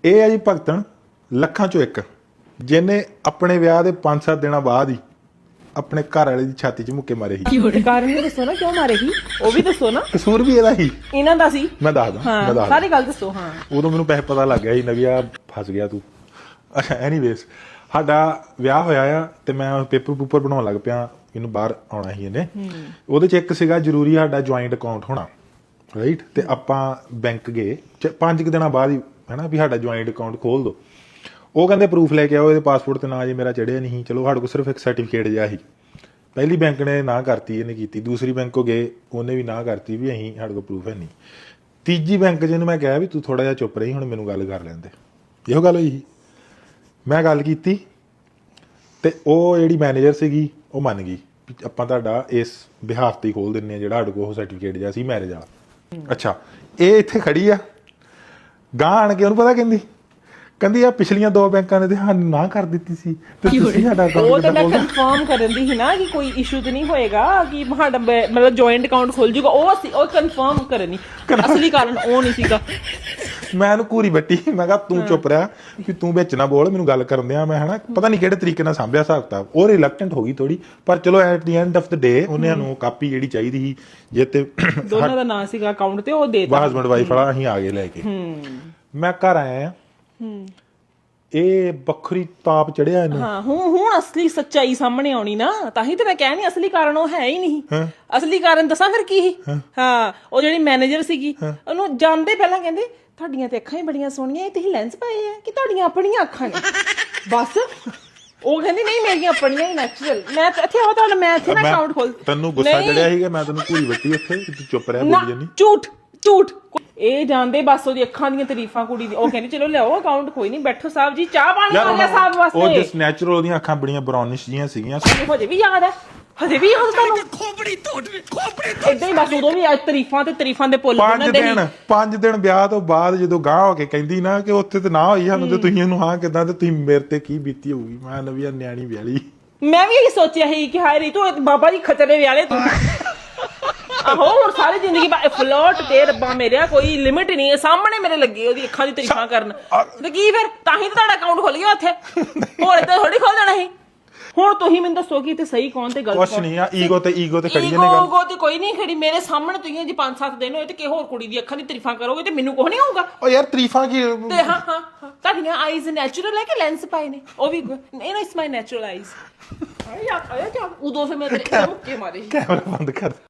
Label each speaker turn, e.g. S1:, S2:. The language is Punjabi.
S1: ਇਹ ਹੈ ਜੀ ਭਗਤਣ ਲੱਖਾਂ ਚੋਂ ਇੱਕ, ਜਿਹਨੇ ਆਪਣੇ ਵਿਆਹ ਦੇ 5-7 ਦਿਨਾਂ ਬਾਅਦ ਹੀ ਆਪਣੇ ਘਰ ਵਾਲੇ ਦੀ ਛਾਤੀ 'ਚ ਮੁੱਕੇ ਮਾਰੇ ਸੀ।
S2: ਕਾਰਨ ਵੀ ਦੱਸੋ ਨਾ, ਕਿਉਂ ਮਾਰੇ ਸੀ ਉਹ ਵੀ ਦੱਸੋ ਨਾ।
S1: ਕਸੂਰ ਵੀ ਇਹਦਾ ਹੀ,
S2: ਇਹਨਾਂ ਦਾ ਸੀ।
S1: ਮੈਂ ਦੱਸਦਾ
S2: ਸਾਰੀ ਗੱਲ ਦੱਸੋ। ਹਾਂ,
S1: ਉਦੋਂ ਮੈਨੂੰ ਪੈਸੇ ਪਤਾ ਲੱਗ ਗਿਆ ਸੀ ਨਵੀਆ ਫਸ ਗਿਆ ਤੂੰ। ਅੱਛਾ, ਐਨੀਵੇਜ਼ ਸਾਡਾ ਵਿਆਹ ਹੋਇਆ ਆ ਤੇ ਮੈਂ ਪੇਪਰ ਪੂਪਰ ਬਣਾਉਣ ਲੱਗ ਪਿਆ, ਇਹਨੂੰ ਬਾਹਰ ਆਉਣਾ ਸੀ ਇਹਨੇ। ਉਹਦੇ 'ਚ ਇੱਕ ਸੀਗਾ ਜ਼ਰੂਰੀ ਸਾਡਾ ਜੁਆਇੰਟ ਅਕਾਊਂਟ ਹੋਣਾ, ਰਾਈਟ। ਤੇ ਆਪਾਂ ਬੈਂਕ ਗਏ 5 ਦਿਨਾਂ ਬਾਅਦ ਹੀ, ਹੈ ਨਾ, ਵੀ ਸਾਡਾ ਜੁਆਇੰਟ ਅਕਾਊਂਟ ਖੋਲ ਦਿਓ। ਉਹ ਕਹਿੰਦੇ ਪ੍ਰੂਫ ਲੈ ਕੇ ਆਓ, ਇਹਦੇ ਪਾਸਪੋਰਟ ਤੇ ਨਾਂ ਜੇ ਮੇਰਾ ਚੜਿਆ ਨਹੀਂ। ਚਲੋ ਸਾਡੇ ਕੋਲ ਸਿਰਫ ਇੱਕ ਸਰਟੀਫਿਕੇਟ ਜਿਹਾ ਸੀ। ਪਹਿਲੀ ਬੈਂਕ ਨੇ ਨਾ ਕਰਤੀ, ਇਹਨੇ ਕੀਤੀ। ਦੂਸਰੀ ਬੈਂਕ ਕੋ ਗਏ, ਉਹਨੇ ਵੀ ਨਾ ਕਰਤੀ ਵੀ ਅਸੀਂ ਸਾਡੇ ਕੋਲ ਪ੍ਰੂਫ ਹੈ ਨਹੀਂ। ਤੀਜੀ ਬੈਂਕ ਜਿਹਨੂੰ ਮੈਂ ਕਿਹਾ ਵੀ ਤੂੰ ਥੋੜਾ ਜਿਹਾ ਚੁੱਪ ਰਹੀ, ਹੁਣ ਮੈਨੂੰ ਗੱਲ ਕਰ ਲੈਂਦੇ। ਇਹੋ ਗੱਲ ਹੋਈ ਸੀ। ਮੈਂ ਗੱਲ ਕੀਤੀ ਤੇ ਉਹ ਜਿਹੜੀ ਮੈਨੇਜਰ ਸੀਗੀ ਉਹ ਮੰਨ ਗਈ ਵੀ ਆਪਾਂ ਤੁਹਾਡਾ ਇਸ ਬਿਹਾਫ ਤੇ ਹੀ ਖੋਲ ਦਿੰਦੇ ਹਾਂ, ਜਿਹੜਾ ਸਾਡੇ ਕੋਲ ਉਹ ਸਰਟੀਫਿਕੇਟ ਜਿਹਾ ਸੀ ਮੈਰਿਜ ਵਾਲਾ। ਅੱਛਾ, ਇਹ ਇੱਥੇ ਖੜੀ ਆ, ਗਾਂ ਆਣ ਕੇ ਉਹਨੂੰ ਪਤਾ ਕਹਿੰਦੀ ਆ ਪਿਛਲੀਆਂ 2 ਬੈਂਕਾਂ ਨੇ ਤੇ ਸਾਨੂੰ ਨਾ ਕਰ ਦਿੱਤੀ ਸੀ ਤੇ ਤੁਸੀਂ ਸਾਡਾ
S2: ਉਹ ਤਾਂ ਮੈਂ ਕਨਫਰਮ ਕਰਨ ਦੀ ਸੀ ਨਾ ਕਿ ਕੋਈ ਇਸ਼ੂ ਤੇ ਨਹੀਂ ਹੋਏਗਾ, ਕਿ ਸਾਡਾ ਮਤਲਬ ਜੁਆਇੰਟ ਅਕਾਊਂਟ ਖੁੱਲ ਜੂਗਾ। ਉਹ ਕਨਫਰਮ ਕਰਨੀ, ਅਸਲੀ ਕਾਰਨ ਉਹ ਨਹੀਂ ਸੀਗਾ।
S1: ਮੈਂ ਉਹਨੂੰ ਘੂਰੀ ਬੱਟੀ, ਮੈਂ ਕਿਹਾ ਤੂੰ ਚੁੱਪ ਰਿਹਾ ਕਿ ਤੂੰ ਵਿੱਚ ਨਾ ਬੋਲ, ਮੈਨੂੰ ਗੱਲ ਕਰਨ ਦਿਆਂ। ਮੈਂ ਹਨਾ ਪਤਾ ਨਹੀਂ ਕਿਹੜੇ ਤਰੀਕੇ ਨਾਲ ਸਾਂਭਿਆ ਹਿਸਾਬ ਕਿਤਾਬ। ਉਹ ਰਿਲੈਕਟੈਂਟ ਹੋ ਗਈ ਥੋੜੀ, ਪਰ ਚਲੋ at the end of the day ਉਹਨੇ ਸਾਨੂੰ ਕਾਪੀ ਜਿਹੜੀ ਚਾਹੀਦੀ ਸੀ, ਜੇ ਤੇ
S2: ਦੋਨਾਂ ਦਾ ਨਾਂ ਸੀਗਾ ਅਕਾਊਂਟ ਤੇ, ਉਹ ਦੇ ਦਿੱਤਾ।
S1: ਹਸਬੈਂਡ ਵਾਈਫ ਵਾਲਾ ਅਸੀਂ ਆ ਗਏ ਲੈ ਕੇ। ਮੈਂ ਘਰ ਆਇਆ, ਇਹ ਵੱਖਰੀ ਤਾਪ ਚੜਿਆ ਇਹਨੂੰ।
S2: ਹਾਂ, ਹੁਣ ਅਸਲੀ ਸੱਚਾਈ ਸਾਹਮਣੇ ਆਉਣੀ ਨਾ, ਤਾਂ ਹੀ ਤੇ ਮੈਂ ਕਹਿ ਨਹੀਂ ਅਸਲੀ ਕਾਰਨ ਉਹ ਹੈ ਹੀ ਨਹੀਂ। ਅਸਲੀ ਕਾਰਨ ਦੱਸਾਂ ਫਿਰ ਕੀ ਸੀ? ਹਾਂ, ਉਹ ਜਿਹੜੀ ਮੈਨੇਜਰ ਸੀਗੀ ਉਹਨੂੰ ਜਾਂਦੇ ਪਹਿਲਾਂ ਕਹਿੰਦੇ ਤੁਹਾਡੀਆਂ ਤੇ ਅੱਖਾਂ ਹੀ ਬੜੀਆਂ ਸੋਹਣੀਆਂ, ਇਹ ਤੁਸੀਂ ਲੈਂਸ ਪਾਏ ਆ ਕਿ ਤੁਹਾਡੀਆਂ ਆਪਣੀਆਂ ਅੱਖਾਂ ਨੇ? ਬਸ ਉਹ ਕਹਿੰਦੀ ਨਹੀਂ ਮੇਰੀਆਂ ਆਪਣੀਆਂ ਹੀ ਨੈਚੁਰਲ। ਮੈਂ ਇੱਥੇ ਆਵਾ ਤੁਹਾਡਾ, ਮੈਂ ਇੱਥੇ ਨਾ ਅਕਾਊਂਟ ਖੋਲ।
S1: ਤੈਨੂੰ ਗੁੱਸਾ ਚੜਿਆ ਸੀਗਾ, ਮੈਂ ਤੈਨੂੰ ਘੂਰੀ ਬੱਟੀ ਉੱਥੇ, ਤੂੰ ਚੁੱਪ ਰਿਹਾ, ਬੋਲੀ ਜਾਨੀ।
S2: ਝੂਠ ਇਹ ਜਾਣਦੇ ਬਸ ਉਹਦੀ ਅੱਖਾਂ ਦੀਆਂ ਤਾਰੀਫਾਂ ਕੁੜੀ ਦੀ। ਉਹ ਕਹਿੰਦੀ ਚਲੋ ਲਿਆਓ ਅਕਾਊਂਟ, ਕੋਈ ਨਹੀਂ ਬੈਠੋ ਸਾਹਿਬ ਜੀ, ਚਾਹ ਪਾਣੀ ਆ ਗਿਆ ਸਾਹਿਬ ਵਾਸਤੇ।
S1: ਉਹ ਜਸ ਨੈਚੁਰਲ, ਉਹਦੀਆਂ ਅੱਖਾਂ ਬੜੀਆਂ ਬਰਾਊਨਿਸ਼ ਜੀਆਂ ਸੀਗੀਆਂ।
S2: ਹਜੇ ਵੀ ਯਾਦ ਹੈ, ਹਜੇ ਵੀ ਯਾਦ ਤੁਹਾਨੂੰ? ਏਦਾਂ ਹੀ ਬਸ ਉਦੋਂ ਵੀ ਤਾਰੀਫਾਂ ਤੇ ਤਾਰੀਫਾਂ ਦੇ ਪੁੱਲ ਬਣਦੇ ਸੀ।
S1: 5 ਦਿਨ ਵਿਆਹ ਤੋਂ ਬਾਅਦ ਜਦੋਂ ਗਾਂ ਹੋ ਕੇ ਕਹਿੰਦੀ ਨਾ ਕਿ ਉੱਥੇ ਤੇ ਨਾ ਹੋਈ ਸਾਨੂੰ, ਤੇ ਤੁਸੀਂ ਉਹਨੂੰ ਹਾਂ ਕਿਦਾਂ, ਤੇ ਤੁਸੀਂ ਮੇਰੇ ਤੇ ਕੀ ਬੀਤੀ ਹੋਊਗੀ। ਮੈਂ ਨਵੀਂ ਨਿਆਣੀ ਵਿਆਹਲੀ।
S2: ਮੈਂ ਵੀ ਇਹੀ ਸੋਚਿਆ ਸੀ ਕਿ ਹਾਏ ਰੀਤੂ ਬਾਬਾ ਜੀ ਖਚਰੇ ਵਿਆਲੇ ਤੂੰ। ਆਹੋ, ਹੁਣ ਸਾਰੀ ਜ਼ਿੰਦਗੀ ਫਲੋਟ ਤੇ ਰੱਬਾ ਮੇਰਿਆ, ਕੋਈ ਲਿਮਿਟ ਨਹੀਂ ਹੈ। ਸਾਹਮਣੇ ਮੇਰੇ ਲੱਗੇ ਉਹਦੀ ਅੱਖਾਂ ਦੀ ਤਾਰੀਫਾਂ ਕਰਨ, ਤੇ ਕੀ ਫਿਰ ਤਾਂ ਹੀ ਤਾਂ ਤੁਹਾਡਾ ਅਕਾਊਂਟ ਖੁੱਲ ਗਿਆ ਉੱਥੇ। ਹੋਰ ਏਦਾਂ ਥੋੜੀ ਖੋਲ ਜਾਣਾ ਸੀ। ਹੁਣ ਤੁਸੀਂ ਮੈਨੂੰ ਦੱਸੋ ਕਿ ਤੇ ਸਹੀ ਕੌਣ ਤੇ ਗਲਤ ਕੌਣ?
S1: ਕੁਛ ਨਹੀਂ ਆ, ਈਗੋ ਤੇ ਖੜੀ ਨੇ
S2: ਗੱਲ। ਈਗੋ ਤੇ ਕੋਈ ਨਹੀਂ ਖੜੀ। ਮੇਰੇ ਸਾਹਮਣੇ ਤੁਸੀਂ ਜੀ 5-7 ਦਿਨ ਹੋਏ ਤੇ ਕਿ ਹੋਰ ਕੁੜੀ ਦੀ ਅੱਖਾਂ ਦੀ ਤਾਰੀਫਾਂ ਕਰੋਗੇ ਤੇ ਮੈਨੂੰ ਕੁਝ ਨਹੀਂ ਹੋਊਗਾ।
S1: ਓ ਯਾਰ ਤਾਰੀਫਾਂ ਕੀ?
S2: ਤੇ ਹਾਂ ਤੁਹਾਡੀਆਂ ਆਈਜ਼ ਨੈਚੁਰਲ ਹੈ ਕਿ ਲੈਂਸ ਪਾਏ ਨੇ? ਉਹ ਵੀ ਇਟਸ ਮਾਈ ਨੈਚੁਰਲ ਆਈਜ਼। ਆਇਆ ਉਦੋਂ ਫਿਰ ਮੈਂ ਤੇਰੇ ਮੁੱਕੇ ਮਾਰੇ।
S1: ਕੈਮਰਾ ਬੰਦ ਕਰ।